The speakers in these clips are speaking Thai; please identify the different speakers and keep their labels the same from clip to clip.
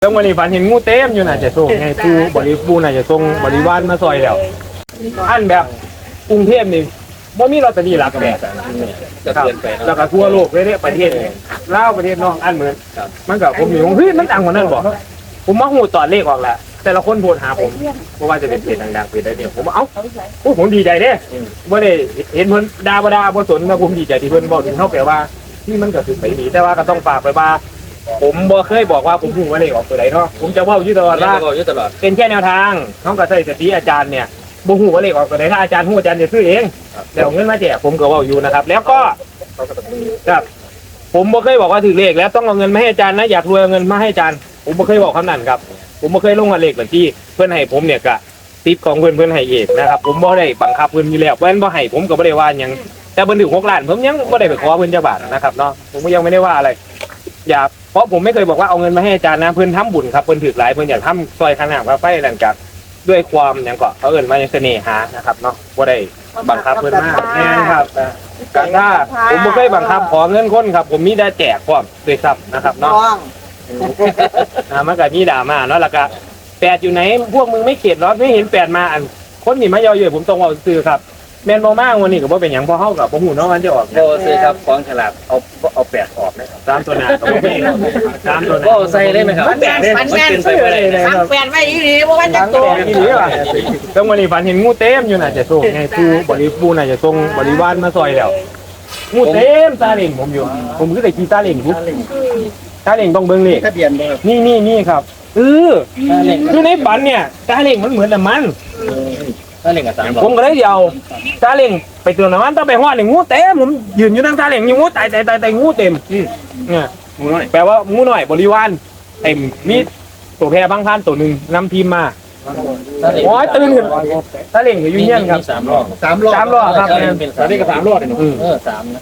Speaker 1: แล้ววันนี้ฝันเห็นงูเต็มอยู่น่ะจะส่งไงปูน่ะจะส่งบริวารมาซอยแล้วอันแบบกรุงเทพนี่บ่มีลอตเตอรี่หลักแบบ
Speaker 2: จะเปลี่ยนไป
Speaker 1: แล้วก็ทั่วโลกเลยเนี่ยประเทศลาวประเทศนอกอันเหมือนมันก็ผมอยู่เฮ้ยมันดังกว่านั้นบ่ผมมาหูตอนเลขออกแล้วแต่ละคนโพสหาผมเพราะว่าจะเป็นเพจดังๆเพจได้เดียวผมเอ้าผมดีใจเด้บ่ได้เห็นเพิ่นด่าบ่สนนะผมดีใจที่เพิ่นบอกถึงเฮาแปลว่าที่มันก็คือไปดีแต่ว่าก็ต้องฝากไปว่าผมบ่เคยบอกว่าผมพูดว่าเลขออกตัวใดเนาะผมจะเว้าอยู่ตลอดว่าเป็นแค่แนวทางเฮาก็ใช้สติอาจารย์เนี่ยบ่ฮู้ว่าเลขออกตัวใดถ้าอาจารย์ฮู้อาจารย์จะซื้อเองแต่เอาเงินมาแจกผมก็เว้าอยู่นะครับแล้วก็ครับผมบ่เคยบอกว่าถือเลขแล้วต้องเอาเงินมาให้อาจารย์นะอยากรวยเอาเงินมาให้อาจารย์ผมบ่เคยบอกคำนั้นครับผมบ่เคยลงเลขบัญชีเพิ่นให้ผมเนี่ยก็ติปของเพิ่นให้เองนะครับผมบ่ได้บังคับเพิ่นอยู่แล้วเพิ่นบ่ให้ผมก็บ่ได้ว่าหยังแต่เพิ่นถึง6 ล้านผมยังบ่ได้ไปขอเพิ่นจักบาทนะครับเนาะผมก็ยังไม่ได้ว่าอะไรอย่าเพราะผมไม่เคยบอกว่าเอาเงินมาให้อาจารย์นะเพิ่นทำบุญครับเพิ่นถือหลายเพิ่นอยากทำซอยขนาดว่าไฟหลังจากด้วยความหยังก็เขาเอิ้นว่าเสน่หานะครับเนาะบ่ได้บังคับเพิ่นมากแน่ครับการถ้าผมบ่เคยบังคับขอเงินคนครับผมมีแต่แจกพร้อมด้วยซ้ำนะครับเนาะมันก็มีดราม่าเนาะแล้วก็8อยู่ไหนพวกมึงไม่เข็ดหรอไม่เห็น8มาอันคนนี่มาย่อเยอะผมต้องเอาซื้อครับแม่นบ่มากวันนี้ก็บ่เป็นหยังพอเฮากับบ่ฮู้เนาะมันจะออก
Speaker 2: โบซื้อครับของฉลาดเอา8ออกนะ
Speaker 1: 3ตัวหน้าก็บ่มี3ตัวหน้า
Speaker 2: ก็ใส่ได้ไหมครับ
Speaker 3: มันเป็นไปได้ครับแฟนไว้อีหลีบ่ว่าจักตัว
Speaker 1: อีหลีว่ะแล้ววันนี้ฝันเห็นงูเต็มอยู่น่ะจะส่งไงปูน่ะจะส่งบริวารมาซอยแล้วงูเต็มซาเล้งผมอยู่ผมคือได้ขี่ซาเล้งอยู่ซาเล้งต้องเบิ่งนี่
Speaker 2: ทะเบียนบ่ครับ
Speaker 1: นี่ครับคือในฝันเนี่ยซาเล้งมันเหมือนน้ำมัน
Speaker 2: ซาเล้งกับ3
Speaker 1: ผมก็เลยเอาซาเล้งไปเติมน้ำมันต้องไปฮอดนี่งูเต็มผมยืนอยู่นั่งซาเล้งอยู่งูตายงูเต็มเนี่ยงูน้อยแปลว่างูน้อยบริวารเต็มมีตัวแพรบางท่านตัวนึงนำทีมมาโอ้ยตื่นขึ้นซาเล้งอยู่เงี้ยครับ
Speaker 2: 3 รอบ
Speaker 1: ครับ
Speaker 2: ซาเล้งกับ3 รอบเนี่ย3นะ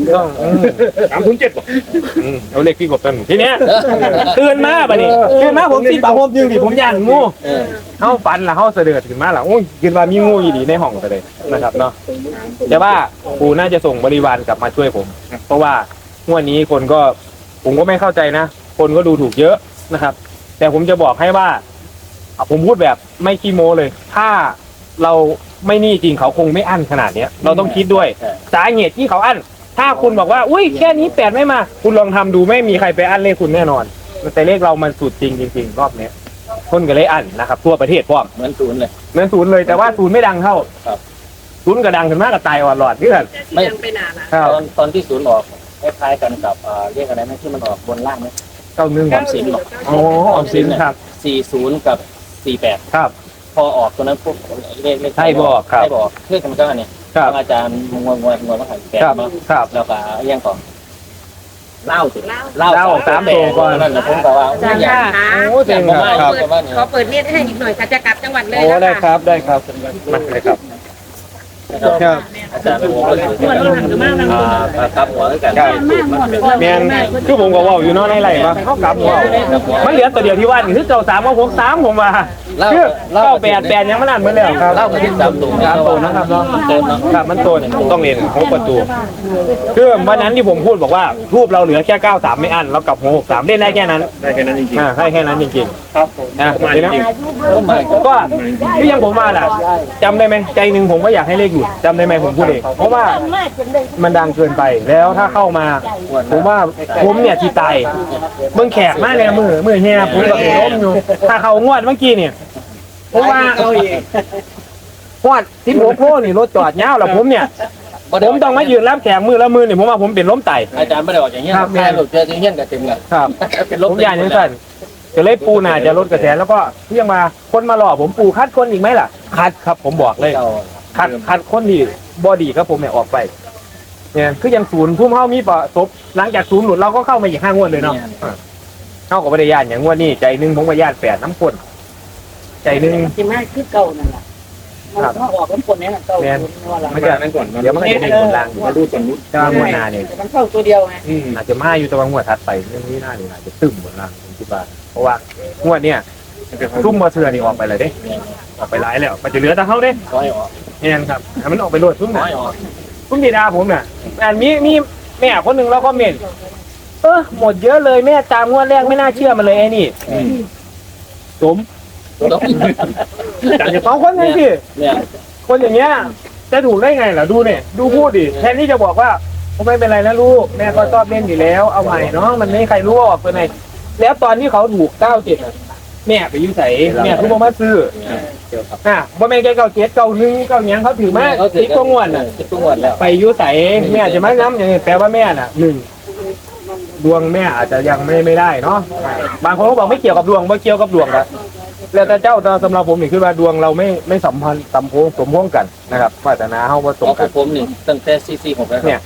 Speaker 1: 307บ่เอาเลขพี่กบกันทีเนี้ยตื่นมาบัดนี้ตื่นมาผมสิผมยืนดิผมย่านงูเฮาฝันล่ะเฮาเสด็จขึ้นมาล่ะโอ้ยคิดว่ามีงูอยู่ดีในห้องไปเลยนะครับเนาะแต่ว่าปู่น่าจะส่งบริวารกลับมาช่วยผมเพราะว่างวดนี้คนก็ผมก็ไม่เข้าใจนะคนก็ดูถูกเยอะนะครับแต่ผมจะบอกให้ว่าผมพูดแบบไม่ขี้โม้เลยถ้าเราไม่นี่จริงเขาคงไม่อั้นขนาดนี้เราต้องคิดด้วยสาเหตุที่เขาอั้นถ้าคุณบอกว่าอุ้ยแค่นี้8ไม่มาคุณลองทำดูไม่มีใครไปอั้นเลขคุณแน่นอนแต่เลขเรามันสุดจริงรอบนี้คนก็เลยอั้นนะครับทั่วประเทศพร้อม
Speaker 2: เหมือน0
Speaker 1: เลยแต่ว่า0ไม่ดังเท่า0ก็ดังขึ้นมากกับตายอ่อนหลอดนี่แหละ
Speaker 3: ไม่ไปนานนะ
Speaker 2: ตอนที่0ออกคล้ายๆกันกับเรียกอะไรนะที่มันออกบนล่างไหม
Speaker 1: 91ออมสินอ๋อออมสินครับ
Speaker 2: 40กับ48
Speaker 1: ครับ
Speaker 2: พอออกตัวนั้นพวกเลข
Speaker 1: ให้บอกครับ
Speaker 2: ให้บอกเพื่อนกันก็อันนี้อาจารย์งวมาขาย8เนาะแล้วก็ยังก่อนเล่า
Speaker 1: 3ตัวก่อน
Speaker 2: นั่นนะผมก็ว่า
Speaker 1: โอ้เจ๋งครับ
Speaker 3: เขาเปิดเน็ตให้อีกหน่อยค่ะจะกลับจังหวัดเลย
Speaker 1: โอ้ได้ครับมาเลยครับ
Speaker 2: อาจารย์เป็นหัวครับหัวกัน
Speaker 1: แมนคือผมก็ว่าอยู่น้อยในไรวะเขากลับหัวมันเหลือตัวเดียวที่ว่านี่คือเจ้า3กับ63ผมว่าคือ98ยังไม่นานเหมือนแล้วครับ
Speaker 2: เล่ากันที่3ตัว
Speaker 1: นะครับเนาะครับมันโตต้องเรียน6ประตูคือวันนั้นที่ผมพูดบอกว่าทูบเราเหลือแค่93ไม่อั้นเรากลับ63เล่นได้แค่นั้นจริงๆได้แค่นั้นจริงๆครับมาจริงก็ที่ยังผมมาแหละจำได้ไหมใจหนึ่งผมก็อยากให้เลขอยู่จำได้ไหมผมพูดเองเพราะว่ามันดังเกินไปแล้วถ้าเข้ามาผมว่าผมเนี่ยที่ตายเบิ่งแขกมากเลยมือเฮียผมกับล้มอยู่ถ้าเขางวดเมื่อกี้เนี่ยเพราะว่างวด16โลนี่รถจอดยาวแล้วผมเนี่ยผมต้องมายืนรับแขกมือละมือเนี่ยผมว่าผมเป็นล้มไต
Speaker 2: อาจารย์ไม่ได้ออกอย่างเงี้ยแม่หลุดเจออย่างเงี้ยกับเต็มเลย
Speaker 1: ครับผมอย่างนี้สั่นจะเลยปูน่าจะลดกระแสแล้วก็เที่ยงมาคนมาหล่อผมปูคัดคนอีกไหมล่ะคัดครับผมบอกเลยคัดคนที่บอดี้ครับผมเนี่ยออกไปเนี่ยคือยัง0พุ่มเข้ามีประสบหลังจาก0หลุดเราก็เข้ามาอีก5 งวดเลยเนาะเข้ากับวิทยาอย่างงวดนี้ใจนึงผมก็ญาติ8น้ำคนใจนึง
Speaker 3: ที่มาคือเก่านั่นแหละมันก็ออกน้ำคนนี้เก่า
Speaker 1: มันจะนั่นก่อนเดี๋ยวมันจะเป็นคนล่างอยู่มาดูส่วนนู้นจะงวดหน้าเนี่ย
Speaker 3: มันเข้าตัวเดียวไง
Speaker 1: อาจจะมาอยู่ตะวันงวดถัดไปเรื่องนี้หน้าเนี่ยอาจจะตึมหมดล่างผมคิดว่าเพราะว่างวดเนี่ยทุ่มมาเถื่อนี่ออกไปเลยเด้ออกไปหลายแล้วมันจะเหลือแต่เขาเด้เนี่ยครับมันออกไปโหลดทุ่มหน่อยทุ่มดีดาผมน่ะมีแม่คนหนึ่งแล้วก็เมนหมดเยอะเลยแม่ตามงวดแรกไม่น่าเชื่อมันเลยไอ้นี่สมจากจะ2คนนั่นสิ
Speaker 2: เนี่ย
Speaker 1: คนอย่างเงี้ยจะถูกได้ไงล่ะดูเนี่ยดูพูดดิแทนที่จะบอกว่าไม่เป็นไรนะลูกแม่ก็ชอบเล่นอยู่แล้วเอาใหม่เนาะมันไม่มีใครรู้ว่าออกตัวไหนแล้วตอนที่เขาถูก97แม่ไปยุ่ใส่แม่ทุกมาซื้อบ่แม่นแก97 91 9ยังเขาถือมาติดตัวงวดน่ะ
Speaker 2: ติดตัวงวดแล้ว
Speaker 1: ไปยุ่ใส่แม่จะมาย้ำอย่างนี้แปลว่าแม่น่ะ1ดวงแม่อาจจะยังไม่ได้เนาะบางคนก็บอกไม่เกี่ยวกับดวงไม่เกี่ยวกับดวงละแล้วแต่เจ้าสำหรับผมนี่คือว่าดวงเราไม่สัมพันธ์สัมพงกันนะครับวาสนาเฮาบ่ตรง
Speaker 2: ข
Speaker 1: กั
Speaker 2: อน งผมนี่ตั้งแต่CC6แล้ว
Speaker 1: เนี่ย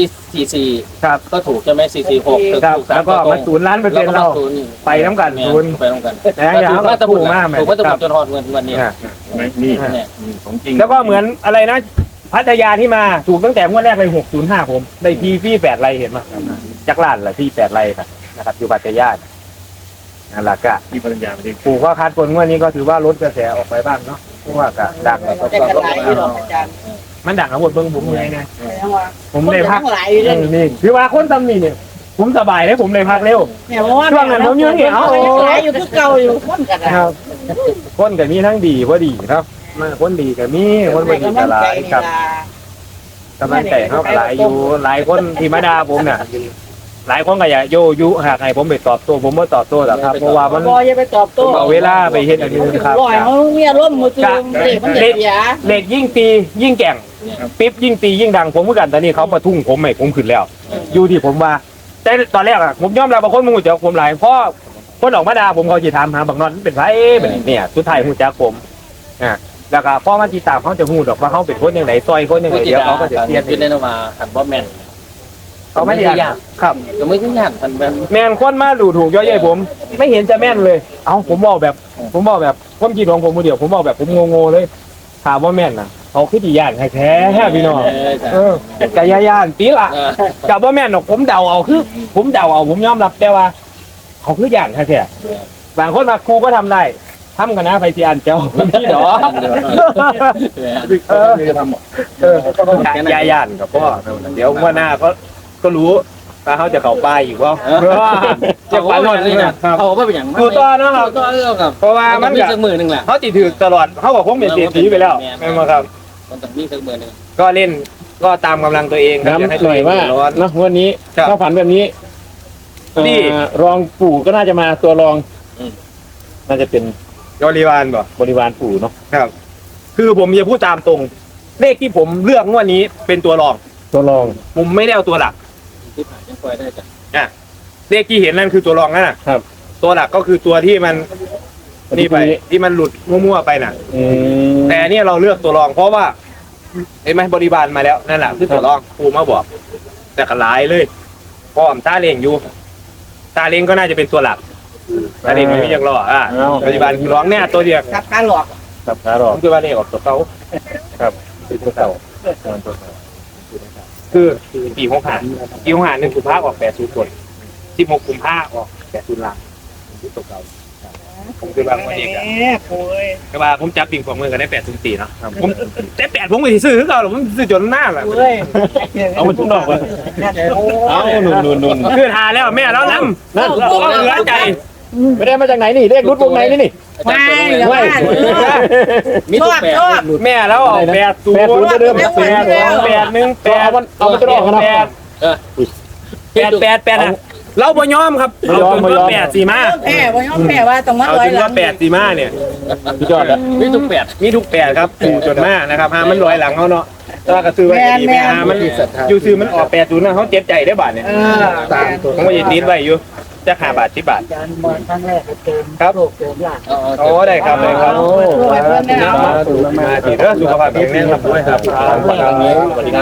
Speaker 2: CC
Speaker 1: ครับ
Speaker 2: ก็ถูกใช่ไหมCC6
Speaker 1: ครับแล้วก็มา0 ล้านเปอร์เซ็นต์เราไปน้ำกันศูนย์
Speaker 2: ไปน้ำกัน
Speaker 1: นะอย่า
Speaker 2: ถูกมาตะบุก
Speaker 1: มาก
Speaker 2: ถูกมาตะบุกจนฮอดเงินนี้
Speaker 4: นี่
Speaker 2: เนี่ย
Speaker 4: ของจริง
Speaker 1: แล้วก็เหมือนอะไรนะพัทยาที่มาถูกตั้งแต่งวดแรกเลย605ผมได้พี่8ไรเห็นมั้ยจักรล้านละพี่8ไรนะครับอยู่พัทยานั่นแหละก็
Speaker 4: ที่ภรรยาไม่ได้
Speaker 1: ปู่ก็คัดคนงวดนี้ก็ถือว่าลดกระแสออกไปบ้างเนาะเพราะว่าก็ดังแล้วก็
Speaker 3: แต่กระไรอยู่หรอกอาจารย์
Speaker 1: มันดังทั้งหมดเบิ่งผมเลยนะ
Speaker 3: แต่ว่า
Speaker 1: ผมเลยพัก
Speaker 3: ทั้งหลายอยู่เลย
Speaker 1: นี่คือว่าคนตำหนิเนี่ยผมสบายเลยผมเลยพักเร็ว
Speaker 3: เนี่ยเพราะว่า
Speaker 1: ช่วงนั้นผมอยู่นี่เอา
Speaker 3: ยังหลายอยู่คือเก่าอยู่คนกัน
Speaker 1: ครับคนกับมีทั้งดีว่าดีครับมาคนดีกับมีคนบ่ดีกับหลายครับกำลังใจเขาก็หลายอยู่หลายคนที่มาด่าผมเนี่ยหลายคนก็อย่าโยยุหากให้ผมไปตอบโต้ผมไม่ตอบโต้หรอกครับเพราะว่ามัน
Speaker 3: บ่อย่าไปตอบ
Speaker 1: ผ
Speaker 3: โต้
Speaker 1: มเอาเวลาไปเฮ็ดอันอื่นครับ
Speaker 3: ลอยเขามีอารมณ์มือตื่นเด็กมันเด็กยา
Speaker 1: เหล็กยิ่งตียิ่งแก่งปิ๊บยิ่งตียิ่งดังผมเหมือนกันตอนนี้เขามาทุ่งผมใหม่ผมขึ้นแล้ว อยู่ที่ผมว่าแต่ตอนแรกอะผมยอมรับบางคนมึงหูจักผมหลายเพราะคนออกมาด่าผมเขาจะถามหาบางนอนเป็นไรแบบนี้เนี่ยสุดท้ายหูจักผมแล้วก็พ่อมาจีตามเขาจะหูดอกว่าเขาเป็นคนยังไงซอยคนยังไงเดี๋ยวเขาก็จะเสีย
Speaker 2: ยืนได้มาหันบอสแมน
Speaker 1: เขาไม่ได้ยากครับ
Speaker 2: ก็ไม่ใช่ยากมันเป็น
Speaker 1: แมนคนมาดูถูกย่อยๆผม ไม่เห็นจะแม่นเลย เอาผมบอกแบบความคิดของผมเดียวผมบอกแบบผมงงๆเลยถามว่าแม่นนะเขาคือดีย่านแท้ๆพี่น้องกะย่านตีละกับว่าแม่นหรอกผมเดาเอาคือ ผมเดาเอาผมยอมรับแต่ว่า เขาคือย่างแท้ๆบางคนมาครูก็ทำได้ทำกันนะไฟเสียนเจ้าพี่ดอกย่านกับพ่อเดี๋ยวว่าหน้าก็รู้ว่าเขาจะเข้าป้ายอีกว่าจะฝันหมดเลยนะ
Speaker 2: เขาก็เป็นอย่าง
Speaker 1: ดูต่อนะครับ
Speaker 2: ต่อเรื่องกับ
Speaker 1: เพราะว่ามัน
Speaker 2: มีสักมือหนึ่งแหละ
Speaker 1: เขาติดถือตลอดเขาบอกผมเป็นเศรษฐีไปแล้วไม่มาครับ
Speaker 2: มันต้องมีสักมือหนึ่ง
Speaker 1: ก็เล่นก็ตามกำลังตัวเองครับ
Speaker 4: น้ำหน่อยว่า
Speaker 1: ร้อน
Speaker 4: เนาะวันนี้
Speaker 1: ครับ
Speaker 4: ถ้าฝันแบบนี้
Speaker 1: นี่
Speaker 4: รองปู่ก็น่าจะมาตัวรองน่าจะเป็น
Speaker 1: บริวารบ่
Speaker 4: บริวารปู่เนาะ
Speaker 1: ครับ คือผมจะพูดตามตรง เลขที่ผมเลือกงวดนี้เป็นตัวรอง
Speaker 4: ตัวรอง
Speaker 1: ผมไม่ได้เอาตัวหลัก
Speaker 2: ที่ผ่านยังปล่อยได้จ้ะ
Speaker 1: เลขที่เห็นนั่นคือตัวรองนะครับ ตัวหลักก็คือตัวที่มันนี่ไปที่มันหลุดมั่วๆไปน่ะ แต่อันเนี่ยเราเลือกตัวรองเพราะว่าเห็นไหมบริบาลมาแล้วนั่นแหละคือตัวรองปูมาบอก แต่ก็หลายเลยพร้อมตาเลงอยู่ตาเลงก็น่าจะเป็นตัวหลักตาเลงไม่มีอย่างรอบริบาลคือร้องเนี่ยตัวเดียว
Speaker 3: ครับการหลอก
Speaker 4: ครับขารอ
Speaker 1: ผมคือว่าเลขออกตัวเขา
Speaker 4: เป็นตัวเก่า
Speaker 1: คือปี65หนึ่งกุมภาออก80คน16กุมภาออก80ล้านคือตัวเก่าผมคือว่าคนเองอะ
Speaker 3: โอ้ย
Speaker 1: แต่ว่าผมจับปิงของมือกันได้804เนาะผมแต่8ผมก็สิซื้อคือเก่าหรอกผมซื้อจนหน้าแหละ
Speaker 3: เฮ้ย
Speaker 4: เอามันทุกดอกเลย
Speaker 3: โอ้
Speaker 4: เอานุ่น
Speaker 1: คือทาแล้วแม่แล้วน้ำ
Speaker 4: นั่น
Speaker 1: เราเหลือใจ
Speaker 4: ไม่ได้มาจากไหนนี่เลขรุดวงไหนนี่
Speaker 3: ไม่อย่าว่า
Speaker 2: มีทุกแปด
Speaker 1: แม่แล้วออก80
Speaker 4: 80เดิม
Speaker 1: 81
Speaker 4: เอามาจะรอกกันนะ
Speaker 1: 8อะเราบ่ยอมครับเราถึงก็8 4มา
Speaker 3: แพ้ว่ายอมแพ้ว่าต้องมา
Speaker 1: เอา
Speaker 3: ร้อย
Speaker 1: ถึง
Speaker 3: หลั
Speaker 1: ก็
Speaker 3: ง
Speaker 1: 8 4มาเนี่ย
Speaker 4: พี่ยอดแล้ว
Speaker 2: มีทุกแปด
Speaker 1: มีทุก8ครับอยู่จนมากนะครับหามันลอยหลังเขาเนาะถ้าก็ซื้อไว้ดีแม่หามันอยู่ซื้อมันออก80นะเขาเจ็บใจได้บาทเนี่ยผมก็ยินดีไว้อยู่จะ5 บาท10 บาท
Speaker 3: อาจารย์บอลครั้งแรกเติม
Speaker 1: ครับ
Speaker 3: โลกเติมหลัง
Speaker 1: โอ้ได้ครับได้ครับ
Speaker 3: โอ้ยเพื่อนเนี่ย
Speaker 1: มาดีเด้อสุขภาพแข็งแรงครับด้วยครับสวัสดีครับ